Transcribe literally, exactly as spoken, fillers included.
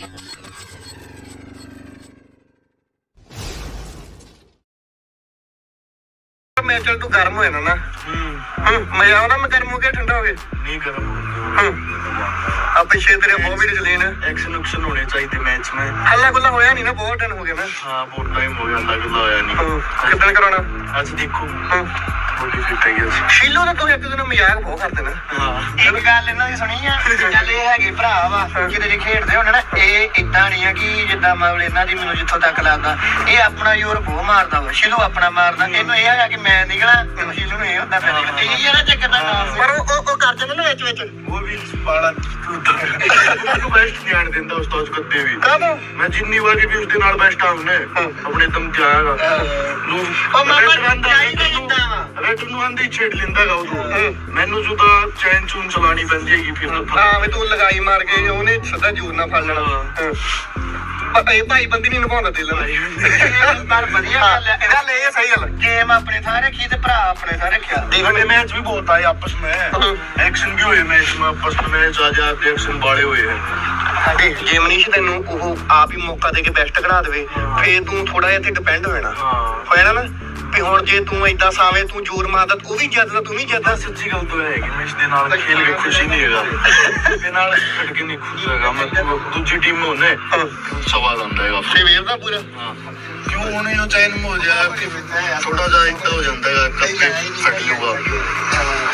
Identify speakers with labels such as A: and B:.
A: मैं चल तू गर्म हो ना मजा आना मैं गर्म हो गया ठंडा हो गया नहीं गर्म अब पिछले तेरे बहुत वीडियो चले ना एक्शन उक्शन होने चाहिए मैच में हल्ला गुल्ला होया नहीं ना बहुत टाइम हो गया ना हाँ बहुत टाइम हो गया हल्ला गुल्ला होया नहीं कितना कराना आज देखो शीलो ने तू एक दिन मजाक बहुत करते ना एक गल इन्हां दी सुनी आ ਚੱਲ ਇਹ ਹੈਗੇ ਭਰਾ ਵਾ ਕਿਤੇ ਜੇ ਖੇਡਦੇ ਹੋਣ ਨਾ ਇਹ ਇਦਾਂ ਨਹੀਂ ਆ ਕਿ ਜਿੱਦਾਂ ਮਤਲਬ ਇਹਨਾਂ ਦੀ ਮੈਨੂੰ ਜਿੱਥੋਂ ਤੱਕ ਲੱਗਦਾ ਇਹ ਆਪਣਾ ਜ਼ੋਰ ਬਹੁਤ ਮਾਰਦਾ ਵਾ ਸ਼ੀਲੂ ਆਪਣਾ ਮਾਰਦਾ ਇਹਨੂੰ ਇਹ ਹੈਗਾ ਕਿ ਮੈਂ ਨਿਕਲਾਂ ਤੇ ਸ਼ੀਲੂ ਨੂੰ ਇਹ ਹੁੰਦਾ ਮੈਂ ਨਿਕਲਾਂ ਇਹ ਯਾਰ ਚੱਕਰ ਦਾ ਨਾਮ ਪਰ ਉਹ ਉਹ ਕਰ ਜਾਂਦਾ ਨਾ ਵਿੱਚ ਵਿੱਚ ਉਹ ਵੀ ਪਾਲਾ ਉਹਨੂੰ ਬੈਸਟ ਨਹੀਂ ਆਣ ਦਿੰਦਾ ਉਸ ਤੋਂ ਕਦੇ ਵੀ ਮੈਂ ਜਿੰਨੀ ਵਾਰੀ ਵੀ ਉਸਦੇ ਨਾਲ ਬੈਸਟ ਆਉਨੇ ਆਪਣੇ ਦਮ ਤੇ ਆਏਗਾ ਨੂੰ ਉਹ ਮਾਮਾ ਚਾਹੀਦਾ ਜਿੱਦਾਂ ਵਾ ਰੈਟ ਨੂੰ ਆਂਦੀ ਛੇੜ ਲੈਂਦਾਗਾ ਉਹ ਮੈਨੂੰ ਜੁਦਾ ਚੈਨ ਚੂਨ ਚਲਾਣੀ ਪੈਂਦੀ ਹੈਗੀ ਫਿਰ ਹਾਂ ਵੀ ਤੂੰ ਲਗਾਈ ਮਾਰ ਕੇ ਉਹਨੇ ਸਦਾ ਜੂਰ ਨਾ ਫੜ ਲੈਣਾ ਪਤਾ ਇਹ ਭਾਈ ਬੰਦੀ ਨਹੀਂ ਨਿਭਾਉਂਦਾ ਦਿਲ ਨਾਲ ਪਰ ਵਧੀਆ ਗੱਲ ਹੈ ਇਹਦਾ ਲੈ ਇਹ ਸਹੀ ਗੱਲ ਗੇਮ ਆਪਣੇ ਥਾਂ ਰੱਖੀ ਤੇ ਭਰਾ ਆਪਣੇ ਥਾਂ ਰੱਖਿਆ देखने मैच भी बहुत आए आपस में एक्शन भी हुए मैच में आपस में मैच आ जाते एक्शन बाड़े हुए हैं देख जे मनीष ਤੈਨੂੰ ਉਹ ਆਪ ਹੀ ਮੌਕਾ ਦੇ ਕੇ ਬੈਸਟ ਕਢਾ ਦੇਵੇ ਫੇਰ ਤੂੰ ਥੋੜਾ ਜਿਹਾ ਤੇ ਡਿਪੈਂਡ ਹੋ ਜਾਣਾ ਹੋਇਆ ਨਾ ਵੀ ਹੁਣ ਜੇ ਤੂੰ ਏਦਾਂ ਸਾਵੇਂ ਤੂੰ ਜ਼ੋਰ ਮਾਰਦਾ ਉਹ ਵੀ ਜਿੱਤਦਾ ਤੂੰ ਵੀ ਜਿੱਤਦਾ ਸੱਚੀ ਗੱਲ ਤਾਂ ਹੈਗੀ ਮੈਂ ਇਸ ਦੇ ਨਾਲ ਖੇਲ ਕੇ ਖੁਸ਼ੀ ਨਹੀਂ ਹੈਗਾ ਇਹਦੇ ਨਾਲ ਖੇਡ ਕੇ ਨਹੀਂ ਖੁਸ਼ ਹੈਗਾ ਮੈਂ ਦੂਜੀ ਟੀਮ ਨੂੰ ਨੇ ਸਵਾਦ ਆਉਂਦਾ ਹੈਗਾ ਫੇ ਵੇਰਦਾ ਪੂਰਾ ਹਾਂ ਕਿਉਂ ਉਹਨੇ ਉਹ ਚੈਨ ਹੋ ਜਾ ਥੋੜਾ ਜਿਹਾ ਇੱਦਾਂ ਹੋ ਜਾਂਦਾ ਹੈਗਾ ਕੱਪੇ ਫਟ ਜਾਊਗਾ